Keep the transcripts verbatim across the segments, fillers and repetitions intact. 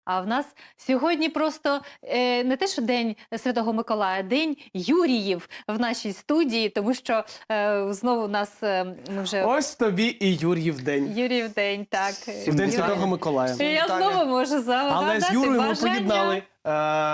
А в нас сьогодні просто е, не те, що День Святого Миколая, День Юріїв в нашій студії, тому що е, знову у нас е, ми вже... Ось тобі і Юріїв день. Юріїв день, так. В День Святого Миколая. І я знову можу загадати Але з Юрою ми бажання. поєднали е,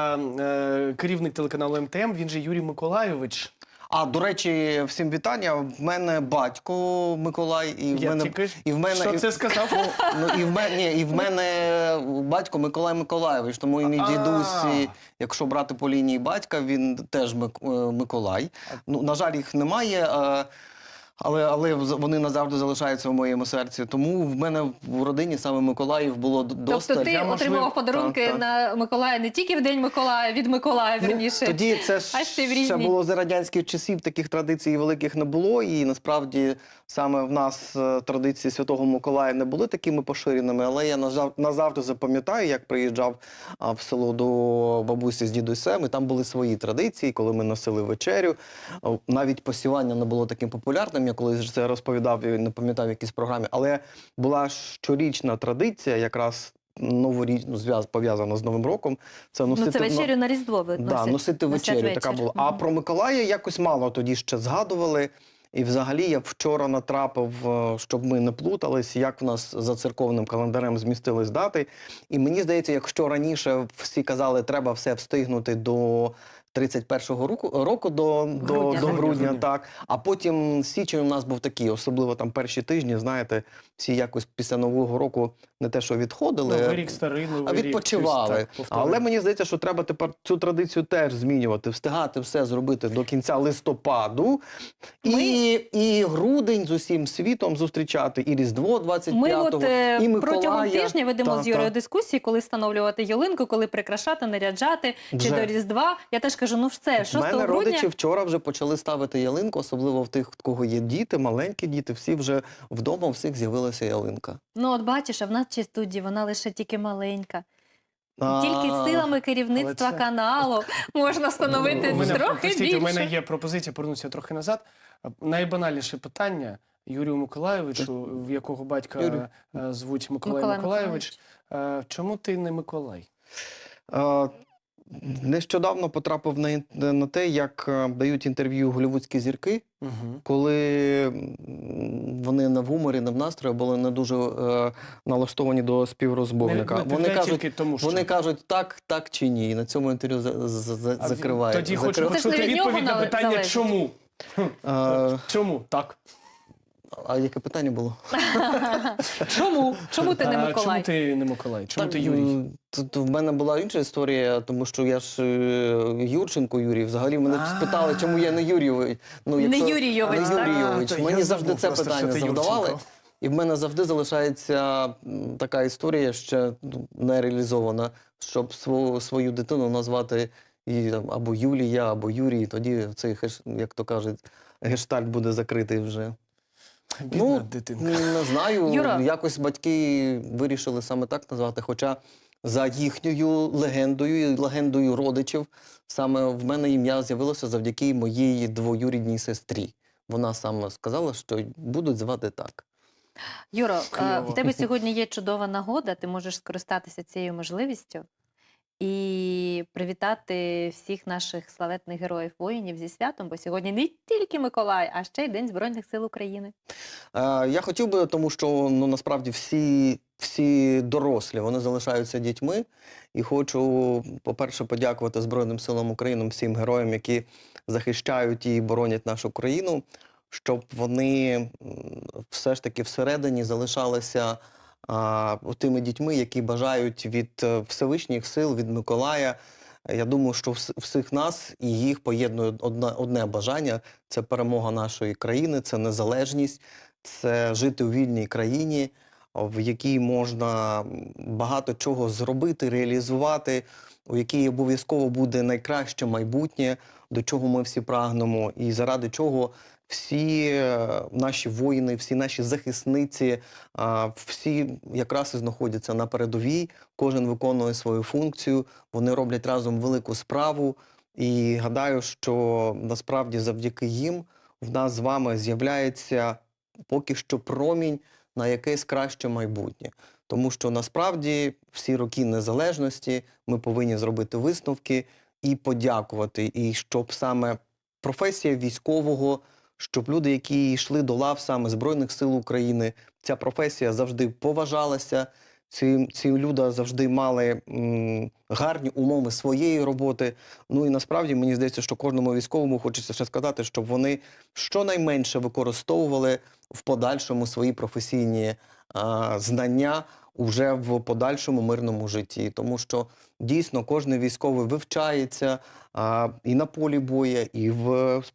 е, керівник телеканалу М Т М, він же Юрій Миколайович. А, до речі, всім вітання. В мене батько Миколай, і в Я мене тільки і в мене що і- це сказав? Ну, і в мене ні, і в мене батько Миколай Миколайович, тому і мій А. дідусь, і, якщо брати по лінії батька, він теж Мик- е, Миколай. Ну, на жаль, їх немає. е, Але, але вони назавжди залишаються в моєму серці. Тому в мене в родині саме Миколаїв було д- достатньо. Тобто ти Я, можливо, отримував подарунки так, так. на Миколая не тільки в День Миколая, від Миколая, вірніше. Тоді це А ще й в ж ще різні. було за радянських часів, таких традицій великих не було. І насправді саме в нас е, традиції Святого Миколая не були такими поширеними. Але я назав- назавжди запам'ятаю, як приїжджав а, в село до бабусі з дідусем, і там були свої традиції, коли ми носили вечерю. О, Навіть посівання не було таким популярним. Я колись це розповідав і не пам'ятав в якійсь програмі. Але була щорічна традиція, якраз новоріч, ну, зв'яз пов'язана з Новим роком. Це носити Ну, це вечерю на Різдво ви Да, носять- носити носять вечерю, така вечір. була. А Мгм. про Миколая якось мало тоді ще згадували. І взагалі я вчора натрапив, е, щоб ми не плутались, як в нас за церковним календарем змістились дати. І мені здається, якщо раніше всі казали, треба все встигнути до тридцять першого року, року до, до, Грудня. до грудня, Грудня. так. А потім січень у нас був такий, особливо там перші тижні, знаєте, всі якось після Нового року не те, що відходили, Новий рік старий, новий а рік. відпочивали. щось так повторює. Але мені здається, що треба тепер цю традицію теж змінювати, встигати все зробити до кінця листопаду, і, і грудень з усім світом зустрічати, і Різдво двадцять Ми п'ятого, от е, і Миколая. протягом тижня ведемо Та, з Юрою та. дискусії, коли встановлювати ялинку, коли прикрашати, наряджати, чи Вже. до Різдва. Я теж кажу, ну все, В шостого мене грудня. родичі вчора вже почали ставити ялинку, особливо в тих, в кого є діти, маленькі діти, всі вже вдома, у всіх з'явилася ялинка. Ну от бачиш, а в нашій студії вона лише тільки маленька. І А, тільки силами керівництва це- каналу можна встановити У мене, трохи простіть, більше. у мене є пропозиція повернутися трохи назад. Найбанальніше питання Юрію Миколайовичу, в якого батька Юрій. е, звуть Миколай, Миколай Миколайович. Е, Чому ти не Миколай? Е, Нещодавно потрапив на, ін- на те, як е, дають інтерв'ю голлівудські зірки, Угу. коли м, вони не в гуморі, не в настрої, були не дуже е, налаштовані до співрозмовника. Вони кажуть, тільки тому, що... вони кажуть так, так чи ні. І на цьому інтерв'ю за, за, за, А закривають. Тоді хочу закрив- Це ж не почути від нього відповідь на нале- питання залежить. «Чому?». Е, Чому? Так. а яке питання було? Чому? Чому ти не А, Миколай? Чому ти не Миколай? Чому ти Юрій? М, Тут в мене була інша історія, тому що я ж е, Юрченко Юрій. Взагалі мене А. спитали, чому я не Юрійович. Ну, Не якщо- Юрійович, не так? Юрійович. А, то Мені я завжди забув це просто, питання що ти завдавали. Юрченко. І в мене завжди залишається м, така історія ще ну, не реалізована, щоб свою, свою дитину назвати її там, або Юлія, або Юрій. Тоді цей, хеш- як то кажуть, гештальт буде закритий вже. Бідна Ну, дитинка. Не знаю, Юра. якось батьки вирішили саме так назвати. Хоча за їхньою легендою і легендою родичів, саме в мене ім'я з'явилося завдяки моїй двоюрідній сестрі. Вона саме сказала, що будуть звати так. Юро, е, Кльово. в тебе сьогодні є чудова нагода, ти можеш скористатися цією можливістю і привітати всіх наших славетних героїв-воїнів зі святом, бо сьогодні не тільки Миколай, а ще й День Збройних сил України. Е, я хотів би, тому що ну, насправді всі, всі дорослі, вони залишаються дітьми. І хочу, по-перше, подякувати Збройним силам України, всім героям, які захищають і боронять нашу країну, щоб вони м, все ж таки всередині залишалися а, тими дітьми, які бажають від е, Всевишніх сил, від Миколая. Я думаю, що вс- всіх нас і їх поєднує одне, одне бажання – це перемога нашої країни, це незалежність, це жити у вільній країні, в якій можна багато чого зробити, реалізувати, у якій обов'язково буде найкраще майбутнє, до чого ми всі прагнемо, і заради чого всі е, наші воїни, всі наші захисниці, а, всі якраз і знаходяться на передовій, кожен виконує свою функцію, вони роблять разом велику справу. І гадаю, що насправді завдяки їм в нас з вами з'являється поки що промінь на якесь краще майбутнє. Тому що насправді всі роки незалежності ми повинні зробити висновки і подякувати. І щоб саме професія військового, щоб люди, які йшли до лав саме Збройних сил України, ця професія завжди поважалася, ці, ці люди завжди мали м, гарні умови своєї роботи. Ну і насправді мені здається, що кожному військовому хочеться ще сказати, щоб вони щонайменше використовували в подальшому свої професійні а, знання уже в подальшому мирному житті. Тому що дійсно кожен військовий вивчається а, і на полі бою, і в,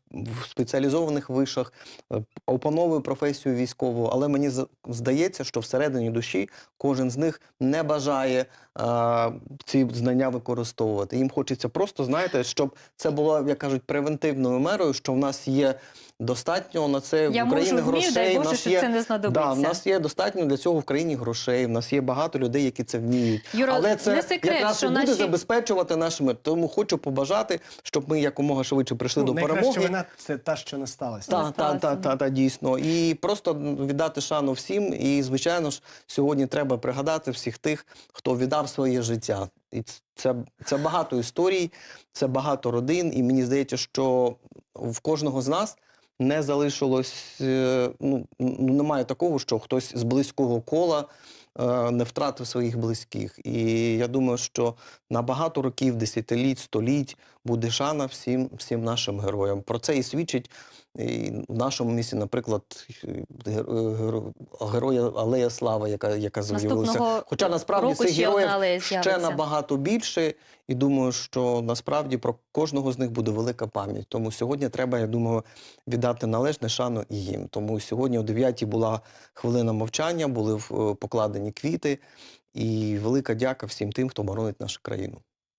в спеціалізованих вишах, е, опановує професію військову. Але мені з- здається, що всередині душі кожен з них не бажає а, ці знання використовувати. Їм хочеться просто, знаєте, щоб це було, як кажуть, превентивною мерою, що в нас є достатньо на це Я в Україні можу, вмію, грошей. дай в Боже, нас що є це не знадобиться. Да, в нас є достатньо для цього в країні грошей, в нас є багато людей, які це вміють. Юра, Але це не секрет, якраз і що буде наші- забезпечувати наш мир. Тому хочу побажати, щоб ми якомога швидше прийшли Ну, до найкраща перемоги. вина – це та, що не сталася. Так, Не так, сталося. так, так, дійсно. І просто віддати шану всім. І, звичайно ж, сьогодні треба пригадати всіх тих, хто віддав своє життя. І це, це багато історій, це багато родин. І мені здається, що в кожного з нас не залишилось, е, ну, ну, немає такого, що хтось з близького кола е, не втратив своїх близьких. І я думаю, що на багато років, десятиліть, століть буде шана всім, всім нашим героям. Про це і свідчить і в нашому місті, наприклад, гер- гер- героя Алея Слави, яка, яка з'явилася. Наступного Хоча насправді року цих ще одна героїв алея ще з'явиться. набагато більше. І думаю, що насправді про кожного з них буде велика пам'ять. Тому сьогодні треба, я думаю, віддати належне шану і їм. Тому сьогодні о дев'ятій була хвилина мовчання, були е, покладені квіти. І велика дяка всім тим, хто боронить нашу країну.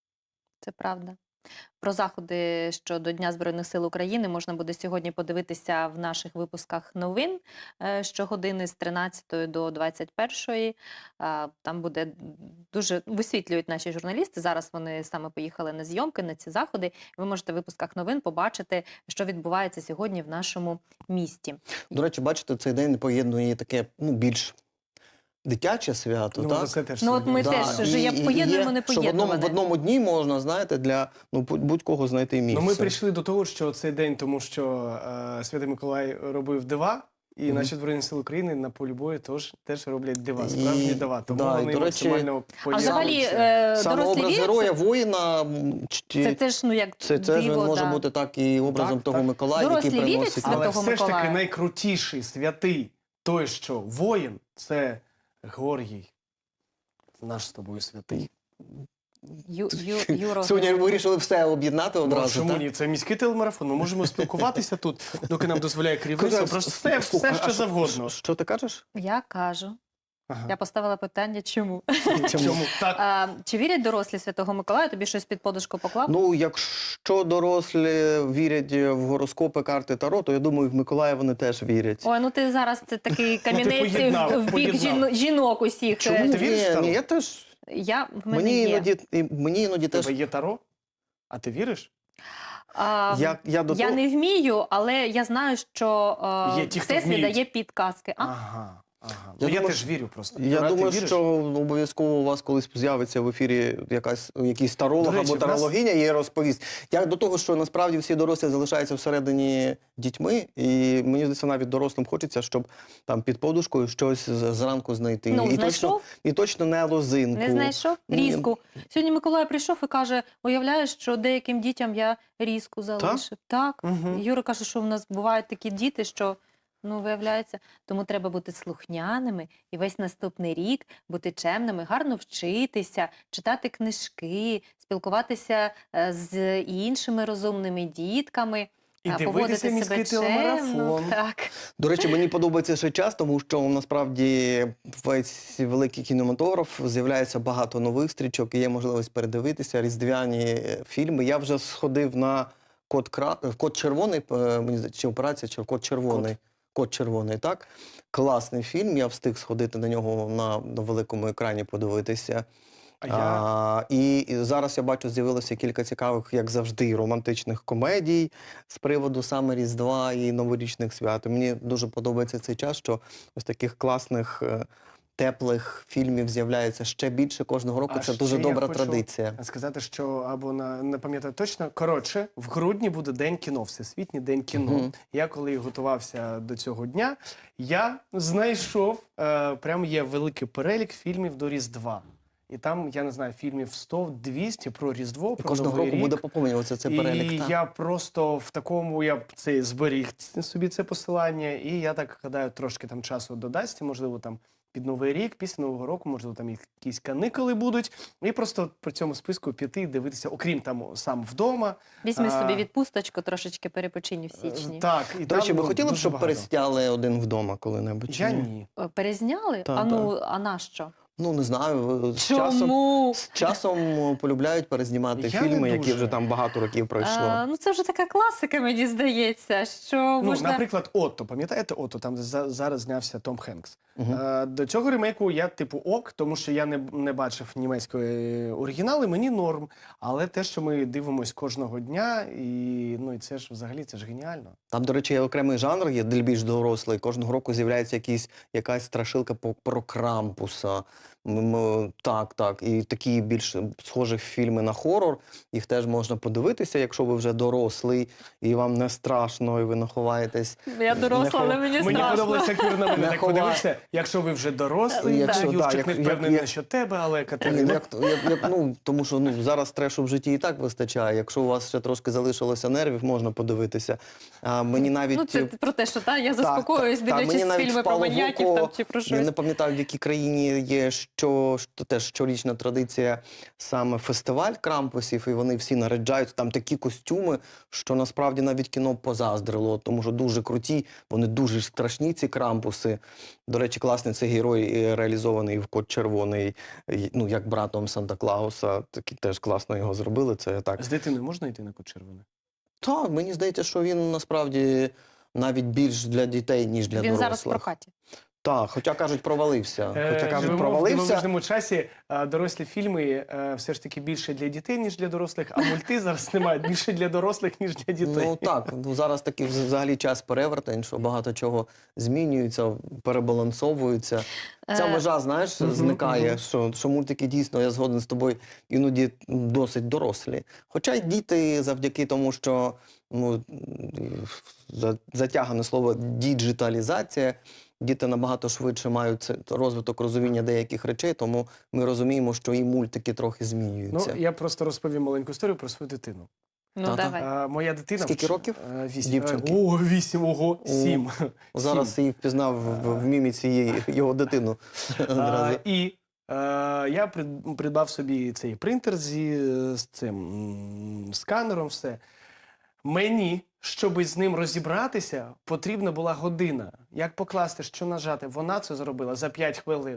Це правда. Про заходи щодо Дня Збройних сил України можна буде сьогодні подивитися в наших випусках новин е, щогодини з тринадцятої до двадцять першої. А, Там буде дуже висвітлюють наші журналісти. Зараз вони саме поїхали на зйомки, на ці заходи. Ви можете в випусках новин побачити, що відбувається сьогодні в нашому місті. До речі, бачите, цей день поєднує таке, ну, більш дитяче свято, Ну, так? це теж Ну, от ми сьогодні. теж і- же як і- і поєднуємо є, що в одному, в непоєднуване. одному дні можна, знаєте, для ну, будь- будь-кого знайти місце. Ну, ми прийшли до того, що цей день, тому що е, Святий Миколай робив дива, і Мгм. наші Збройні Сили України на полі бою теж, теж роблять дива, справжні І- дива. Тому да, і, вони до речі, максимально А взагалі поєднуються. е, Саме дорослі образ вірять? героя, Це, воїна, м, чи- це теж ну як це, це ж диво, може да. бути так і образом Так, того так. Миколая, Дорослі який вірять приносить. в Святого Але все ж таки Миколая. найкрутіший святий, той, що воїн, це Георгій. Наш з тобою святий. Ю, ю, Юро, Сьогодні вирішили все об'єднати Ну, одразу, чому так? ні? Це міський телемарафон. Ми можемо спілкуватися тут, доки нам дозволяє керівництво. Кажу, Про все, слухай, все а що що- завгодно. Що ти кажеш? я кажу. Ага. Я поставила питання, чому? Чому? Так. А, чи вірять дорослі Святого Миколая? Тобі щось під подушку поклав? Ну, якщо дорослі вірять в гороскопи, карти Таро, то я думаю, в Миколая вони теж вірять. Ой, ну ти зараз це такий камінець поєднав, в бік поєднав. жіно- жінок усіх. Чому Е, ти віриш в ні, Таро? ні, я теж. Я, в мене Мені є. іноді, і- мені іноді У теж. тебе є Таро? А ти віриш? А, Я, я до я того... не вмію, але я знаю, що е, Є ті, хто Всесвіт вміють. дає підказки. А? Ага. Ага. Я Ну, я думаю, теж вірю просто. Я Юра, ти думаю, віриш? що обов'язково у вас колись з'явиться в ефірі якась, якийсь таролог До речі, або в нас- тарологиня і розповість. Я до того, що насправді всі дорослі залишаються всередині дітьми, і мені здається, навіть дорослим хочеться, щоб там під подушкою щось з- зранку знайти. Ну, і, точно, знайшов? і точно не лозинку. Не знайшов? Ні. Різку. Сьогодні Миколай прийшов і каже, уявляєш, що деяким дітям я різку залишив. Так. Мгм. Юра каже, що в нас бувають такі діти, що, ну, виявляється, тому треба бути слухняними і весь наступний рік бути чемними, гарно вчитися, читати книжки, спілкуватися е, з іншими розумними дітками. І а, дивитися поводити себе міський чемно. телемарафон. Так. До речі, мені подобається ще час, тому що насправді весь великий кінематограф з'являється багато нових стрічок, і є можливість передивитися різдвяні фільми. Я вже сходив на Код, Кра... Код червоний, е, мені здається, чи операція, чи Код червоний. Код червоний, так? Класний фільм. Я встиг сходити на нього на, на великому екрані, подивитися. А я А, і, і зараз я бачу, з'явилося кілька цікавих, як завжди, романтичних комедій з приводу саме Різдва і новорічних свят. І мені дуже подобається цей час, що ось таких класних, е, теплих фільмів з'являється ще більше кожного року. А Це ще дуже я добра хочу традиція. сказати, що або на не пам'ятаю точно. Коротше, в грудні буде День кіно, Всесвітній день кіно. Мгм. Я коли готувався до цього дня, я знайшов е, прям є великий перелік фільмів до Різдва. І там, я не знаю, фільмів сто-двісті про Різдво, І про кожного Новий року рік. буде поповнюватися цей перелік. І так. я просто в такому, я б це зберіг ц- собі це посилання, і я так гадаю, трошки там часу додасть, можливо, там під Новий рік, після Нового року, можливо, там якісь каникули будуть, і просто по цьому списку піти і дивитися, окрім там сам вдома. Візьми А, собі відпусточку, трошечки перепочинь в Е, січні. Так, і До речі, там, ви ну, хотіли б, дуже щоб багато. пересняли один вдома коли-небудь? чи Я ні? ні. Е, Перезняли? Та, а ну, а на що? Ну, не знаю. З часом, Чому? з часом полюбляють перезнімати Я не фільми, які дуже. вже там багато років пройшло. А, ну, це вже така класика, мені здається, що Ну, можна... наприклад, Отто, пам'ятаєте Отто, там де за- зараз знявся Том Хенкс. Мгм. Е, До цього ремейку я типу ок, тому що я не, не бачив німецької оригіналу, мені норм. Але те, що ми дивимося кожного дня, і ну і це ж взагалі це ж геніально. Там, до речі, є окремий жанр, є для більш дорослий. Кожного року з'являється якийсь, якась страшилка по- про Крампуса. М, м, Так, так. І такі більш схожі фільми на хорор. Їх теж можна подивитися, якщо ви вже дорослий, і вам не страшно, і ви не ховаєтесь. Я доросла, Не але хо- мені Мені страшно. подобається, як Юра на мене Не так ховай. подивився. Якщо ви вже дорослий, Якщо, Юрчик да, як- не як- впевнений як- насчет тебе, але Як, Катерина. як, як, ну, тому що ну, зараз трешу в житті і так вистачає. Якщо у вас ще трошки залишилося нервів, можна подивитися. А, мені навіть... Ну, це про те, що та, я Так, заспокоююсь, так, так. дивлячись Мені навіть фільми про впало в маньяків око, там, чи про Я щось. не пам'ятаю, в якій країні є що, що теж щорічна традиція саме фестиваль Крампусів, і вони всі наряджають там такі костюми, що насправді навіть кіно позаздрило, тому що дуже круті, вони дуже страшні, ці Крампуси. До речі, класний цей герой е, реалізований в Кот Червоний, е, ну, як братом Санта-Клауса, такі теж класно його зробили, це так. З дитиною можна йти на Кот Червоний? Так, мені здається, що він насправді навіть більш для дітей, ніж для Він дорослих. зараз в прокаті. Так, хоча кажуть, провалився. Хоча Е, кажуть, живемо в провалився. дивовижному часі. а, Дорослі фільми е, все ж таки більше для дітей, ніж для дорослих, а мульти зараз немає більше для дорослих, ніж для дітей. Ну так, ну зараз такий взагалі час перевертень, що багато чого змінюється, перебалансовується. Ця Е, межа, знаєш, Мгм, зникає, мгм. що, що мультики дійсно, я згоден з тобою, іноді досить дорослі. Хоча й діти завдяки тому, що ну, за- затягане слово діджиталізація, діти набагато швидше мають це- розвиток розуміння деяких речей, тому ми розуміємо, що і мультики трохи Ну, змінюються. я просто розповім маленьку історію про свою дитину. Ну, Та-та. давай. А, моя дитина... Скільки вч- років? Е, Вісім. Дівчинки? Е, О, вісім, ого, О, сім. Зараз Сім. її впізнав в, в міміці її, його дитину. А, Одразу. і е, я прид- придбав собі цей принтер зі, е, з цим м, сканером, все. Мені, щоб з ним розібратися, потрібна була година. Як покласти, що нажати? Вона це зробила за п'ять хвилин.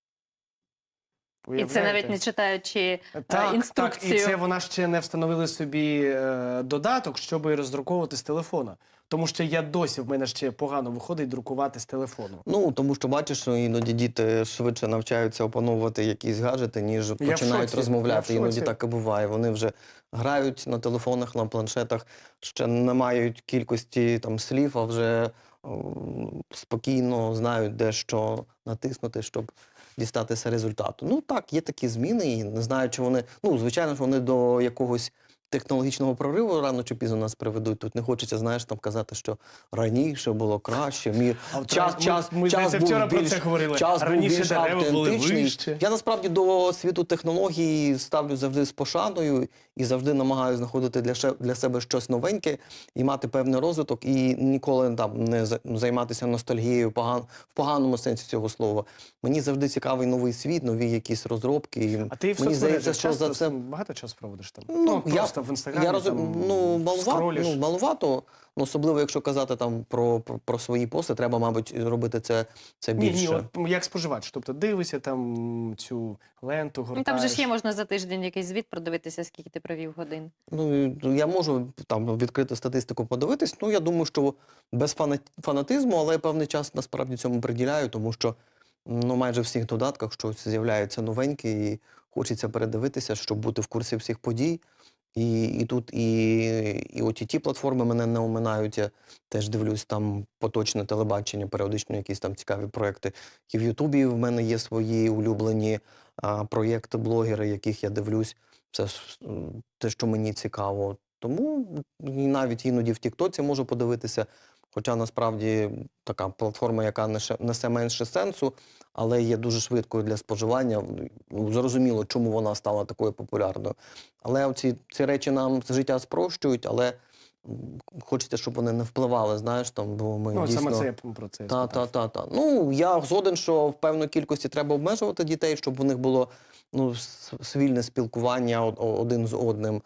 І це Уявляєте? навіть не читаючи е, Так, так, інструкцію. і це вона ще не встановили собі е, додаток, щоб роздруковувати з телефона. Тому що я досі, в мене ще погано виходить друкувати з телефону. Ну, тому що бачиш, що іноді діти швидше навчаються опановувати якісь гаджети, ніж в починають шоці, розмовляти. я в Іноді шоці. так і буває. Вони вже грають на телефонах, на планшетах, ще не мають кількості там слів, а вже о, спокійно знають, де що натиснути, щоб дістатися результату. Ну так, є такі зміни, і не знаю, чи вони. Ну, звичайно ж, вони до якогось технологічного прориву рано чи пізно нас приведуть. Тут не хочеться, знаєш, там казати, що раніше було краще. Мір А от час, ми- час, ми, час здається, був вчора про більш, це говорили. час був Раніше більш дерева були автентичний. вище. Я насправді до світу технологій ставлю завжди з пошаною і завжди намагаюся знаходити для, ше- для себе щось новеньке і мати певний розвиток, і ніколи там не за- займатися ностальгією поган, в поганому сенсі цього слова. Мені завжди цікавий новий світ, нові якісь розробки. І А ти в мені здається, соцмережах що часто за це багато часу проводиш там? Ну, я- просто в інстаграмі я розум... там, ну, малувато, скролиш. ну, малувато, ну, особливо якщо казати там про, про, про свої пости, треба, мабуть, робити це, це Ні, більше. ні, от як споживач. Тобто дивишся там цю ленту, Ну, гортаєш. там же ж є, можна за тиждень якийсь звіт продивитися, скільки ти провів годин. Ну, і я можу там відкрити статистику подивитись. Ну, я думаю, що без фана- фанатизму, але я певний час насправді цьому приділяю, тому що ну, майже в всіх додатках щось з'являється новеньке і хочеться передивитися, щоб бути в курсі всіх подій. І, і тут і, і о ті ті-платформи мене не оминають. Я теж дивлюсь там поточне телебачення, періодично якісь там цікаві проекти. І в Ютубі в мене є свої улюблені а, проєкти, блогери, яких я дивлюсь. Це ж, м, те, що мені цікаво. Тому і навіть іноді в Тіктоці можу подивитися. Хоча насправді така платформа, яка несе, несе менше сенсу, але є дуже швидкою для споживання. Ну, зрозуміло, чому вона стала такою популярною. Але ці, ці речі нам життя спрощують, але м, хочеться, щоб вони не впливали, знаєш, там, бо ми Ну, от дійсно... саме це я про це і Та, спитав. та, та, та. Ну, я згоден, що в певної кількості треба обмежувати дітей, щоб у них було ну, с- свільне спілкування од- о- один з одним.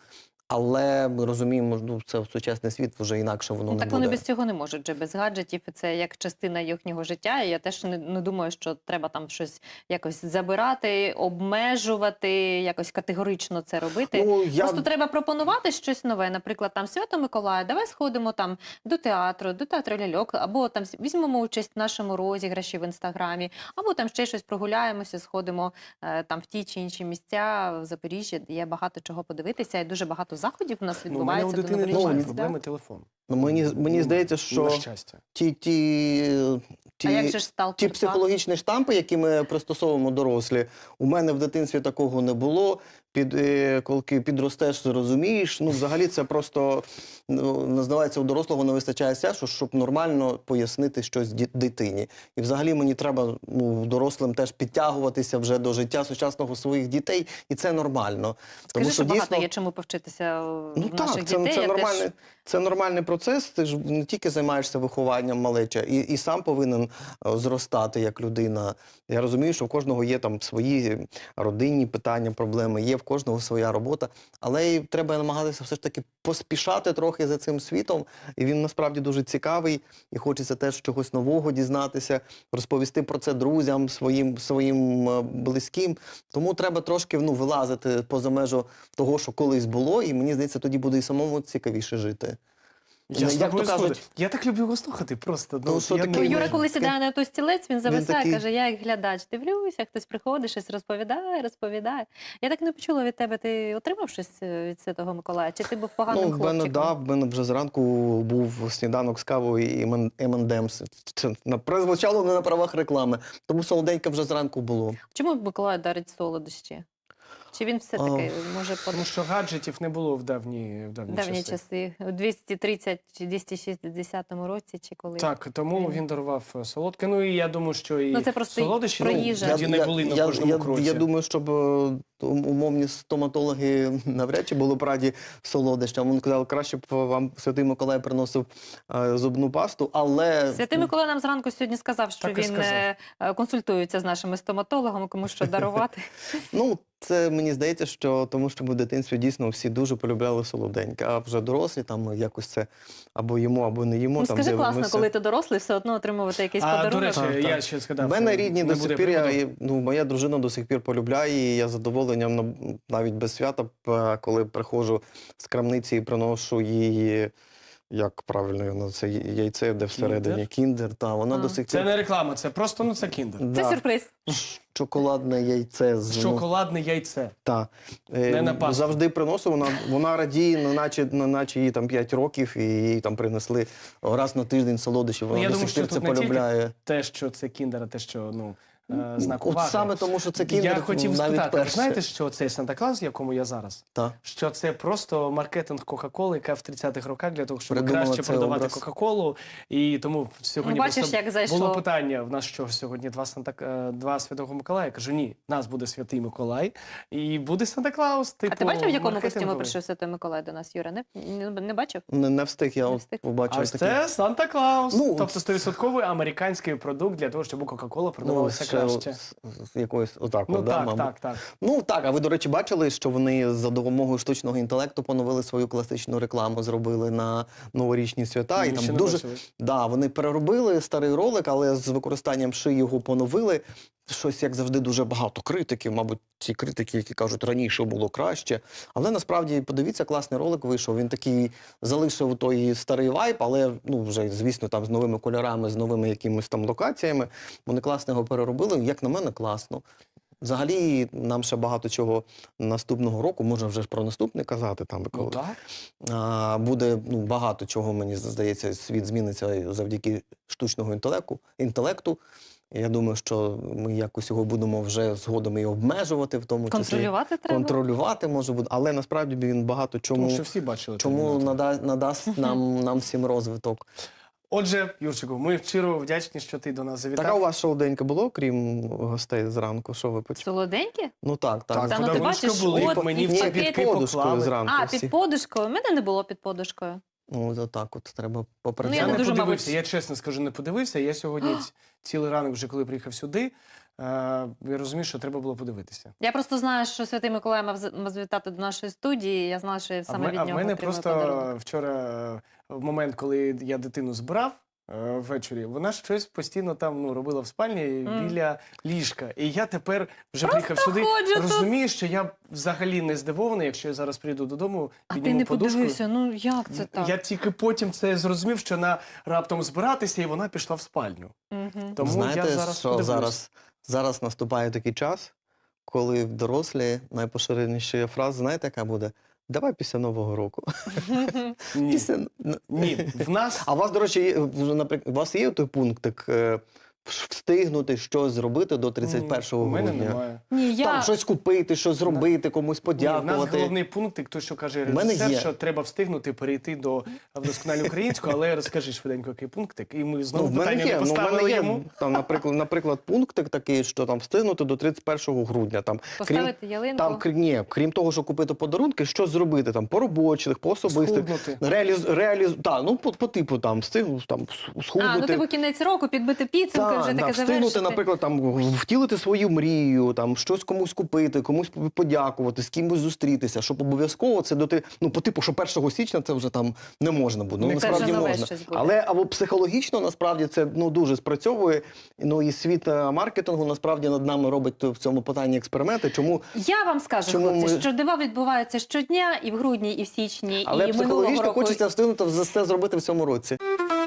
Але ми розуміємо, ну, це в сучасний світ вже інакше воно Ну, не так буде. вони без цього не можуть же, без гаджетів. і Це як частина їхнього життя. І я теж не, не думаю, що треба там щось якось забирати, обмежувати, якось категорично це робити. Ну, я... Просто треба пропонувати щось нове. Наприклад, там Свято Миколая, давай сходимо там до театру, до театру ляльок, або там візьмемо участь в нашому розіграші в інстаграмі, або там ще щось прогуляємося, сходимо е, там в ті чи інші місця в Запоріжжі. Є багато чого подивитися, і дуже багато заходів у нас Ну, у мене у відбувається до дитини новорічних немає свят. проблеми телефон. Ну, мені, мені Ну, здається, На що щастя. ті, ті, ті, А як же ж ті сталкер? психологічні штампи, які ми пристосовуємо дорослі, у мене в дитинстві такого не було. Під, е, коли підростеш, зрозумієш. Ну, взагалі це просто, ну, називається, у дорослого не вистачає сенсу, щоб нормально пояснити щось ді- дитині. І взагалі мені треба ну, дорослим теж підтягуватися вже до життя сучасного своїх дітей, і це нормально. Скажи, що багато є чому повчитися в Ну наших так, це, дітей. це, Я нормальний, теж... це нормальний процес. Ти ж не тільки займаєшся вихованням малеча, і, і сам повинен е, зростати як людина. Я розумію, що в кожного є там свої родинні питання, проблеми, є в кожного своя робота, але й треба намагатися все ж таки поспішати трохи за цим світом. І він насправді дуже цікавий, і хочеться теж чогось нового дізнатися, розповісти про це друзям, своїм, своїм е, близьким. Тому треба трошки ну, вилазити поза межу того, що колись було, і мені здається, тоді буде і самому цікавіше жити. Я з Як тобою то кажуть- згоден. Я так люблю його слухати просто. Ну, от що я таке не Юра, можу. коли сідає на той стілець, він зависає, такий- каже, я як глядач дивлюся, хтось приходить, щось розповідає, розповідає. Я так не почула від тебе, ти отримав щось е, від Святого Миколая? Чи ти був поганим Ну, в мене, хлопчиком? да, в мене вже зранку був сніданок з кавою і ем енд емс. Це на- прозвучало не на правах реклами. Тому солоденьке вже зранку було. Чому Миколай дарить солодощі? Чи він все-таки може по Тому що гаджетів не було в давні, в давні, давні часи. часи? У двісті тридцять чи двісті шістдесятому році, чи коли? Так, тому Він- він дарував е, солодке. Ну і я думаю, що і Ну, це просто солодощі про ну, їжу. тоді не були на я, кожному я, кроці. Я думаю, щоб е, ум- умовні стоматологи навряд чи були б раді солодощам. Він казав, краще б вам Святий Миколай приносив е, зубну пасту, але... Святий Миколай нам зранку сьогодні сказав, що Так і він сказав. е, е, консультується з нашими стоматологами, кому що дарувати. Ну, це мені здається, що тому що ми в дитинстві дійсно всі дуже полюбляли солоденьке, а вже дорослі там якось це або їмо, або не їмо. Ну, там скажи, класно, дивимося. коли ти дорослий, все одно отримувати якийсь А, до подарунок. речі, Так, я так. ще згадав. В мене е, рідні не до буде сих пір, я, приводу. і, ну, моя дружина до сих пір полюбляє, і я з задоволенням ну, навіть без свята, п- коли приходжу з крамниці і приношу їй, як правильно його, це яйце, де всередині кіндер, та вона А. до сих Це пір... не реклама, це просто ну це кіндер. Це Да, сюрприз. шоколадне яйце з ну, Шоколадне яйце. та. Е, Не на Пасху. завжди приносив, вона, вона радіє, ну, наче, ну, наче їй там п'ять років, і їй там принесли раз на тиждень солодощі, вона Ну, я до думаю, сих пір що це тут не тільки полюбляє. Те, що це кіндер, а те, що ну е, знак От уваги. саме тому, що це кіндер, Я хотів навіть спитати, ви перше. знаєте, що цей Санта-Клаус, в якому я зараз, Та. що це просто маркетинг Кока-Коли, яка в тридцятих роках для того, щоб Придумала краще цей продавати образ. Кока-Колу. І тому сьогодні Ну, бачиш, просто як зайшло. було питання, в нас що сьогодні два, Санта, е, два Святого Миколая? Я кажу, ні, нас буде Святий Миколай і буде Санта-Клаус. Типу, А ти бачив, в якому костюмі маркетинговий. прийшов Святий Миколай до нас, Юра? Не, не, не бачив? Не, не встиг, я Не от встиг. побачив А ось такий. це Санта-Клаус. Ну, тобто сто відсотків американський продукт для того, щоб Кока-Кола Ну, продавалася ще краще. з, з якоїсь отак, Ну от, да, так, мабуть. так, так. Ну так, а ви, до речі, бачили, що вони за допомогою штучного інтелекту поновили свою класичну рекламу, зробили на новорічні свята. Ні, і там ще не дуже бачили. да, вони переробили старий ролик, але з використанням ши його поновили. Щось, як завжди, дуже багато критиків. Мабуть, ці критики, які кажуть, раніше було краще. Але насправді, подивіться, класний ролик вийшов. Він такий залишив той старий вайб, але ну вже, звісно, там з новими кольорами, з новими якимись там локаціями. Вони класно його переробили. Як на мене, класно. Взагалі, нам ще багато чого наступного року, можна вже ж про наступний казати, там, Ну, коли, так. а, буде ну, багато чого, мені здається, світ зміниться завдяки штучного інтелекту. інтелекту. Я думаю, що ми якось його будемо вже згодом і обмежувати, в тому числі. Контролювати треба? Контролювати може бути, але насправді він багато чому, Тому що всі бачили. чому «Термінатора». нада, надасть нам, нам всім розвиток. Отже, Юрчику, ми щиро вдячні, що ти до нас завітав. Так, а у вас шоуденька було, крім гостей зранку? Що ви почали? Солоденькі? Ну так, так. Так, Та ну ти подарунки бачиш, були, от мені і в в ці пакеті. бітки подушкою поклали. зранку. А, всі. під подушкою? У мене не було під подушкою. Ну, от так от треба Ну, попрацювати. я Я не не дуже, подивився, мабуть- я чесно скажу, не подивився. Я сьогодні ць- цілий ранок, вже коли приїхав сюди, е, я розумію, що треба було подивитися. Я просто знаю, що Святий Миколай мав з- мав завітати до нашої студії. Я знала, що я А в, саме ме- від а в нього мене отримую просто подарунок. вчора, е, в момент, коли я дитину збирав е, ввечері, вона щось постійно там ну, робила в спальні Мгм. біля ліжка. І я тепер вже приїхав сюди, ходжу тут. розумію, що я взагалі не здивований, якщо я зараз прийду додому, А ти підніму не подушку. подивився? Ну як це так? Я тільки потім це зрозумів, що вона раптом збиратися, і вона пішла в спальню. Мгм. Тому Знаєте, я зараз що подивлюсь. зараз, зараз наступає такий час, коли в дорослі найпоширеніша фраза, знаєте, яка буде? Давай після Нового року. Ні. Після... Ні, в нас А у вас, до речі, є, вже, наприклад, у вас є той пунктик е, встигнути щось зробити до тридцять першого у мене грудня? немає. Ні, я... Там щось купити, щось зробити, комусь Ні, в нас подякувати. головний пункт, той, що каже У мене режисер, є. що треба встигнути перейти до вдосконалення українського, але розкажи швиденько, який пунктик, і ми знову Ну, в мене питання є, не ну, в поставили мене є йому. там, наприклад, наприклад, пунктик такий, що там встигнути до тридцять першого грудня. Там, Поставити ялинку. Там, крім, ні, крім того, що купити подарунки, що зробити там по робочих, по особистих. Схуднути. Реаліз, реаліз, та, ну, по, по типу там, встигнути там, с- схуднути. А, ну типу кінець року, підбити підсумки, Та, вже да, таке встигнути, завершити. наприклад, там, втілити свою мрію, там, щось комусь купити, комусь подякувати, з кимось зустрітися, щоб обов'язково це доти, ну, по типу, що першого січня це вже там не можна буде. Ну, Це насправді вже нове можна. щось буде. Але або психологічно, насправді, це ну, дуже спрацьовує. Ну, і світ е, маркетингу, насправді, над нами робить в цьому питанні експерименти. Чому? Я вам скажу, Чому хлопці, ми- що дива відбуваються щодня і в грудні, і в січні, Але і минулого психологічно року. хочеться встигнути все зробити в цьому році.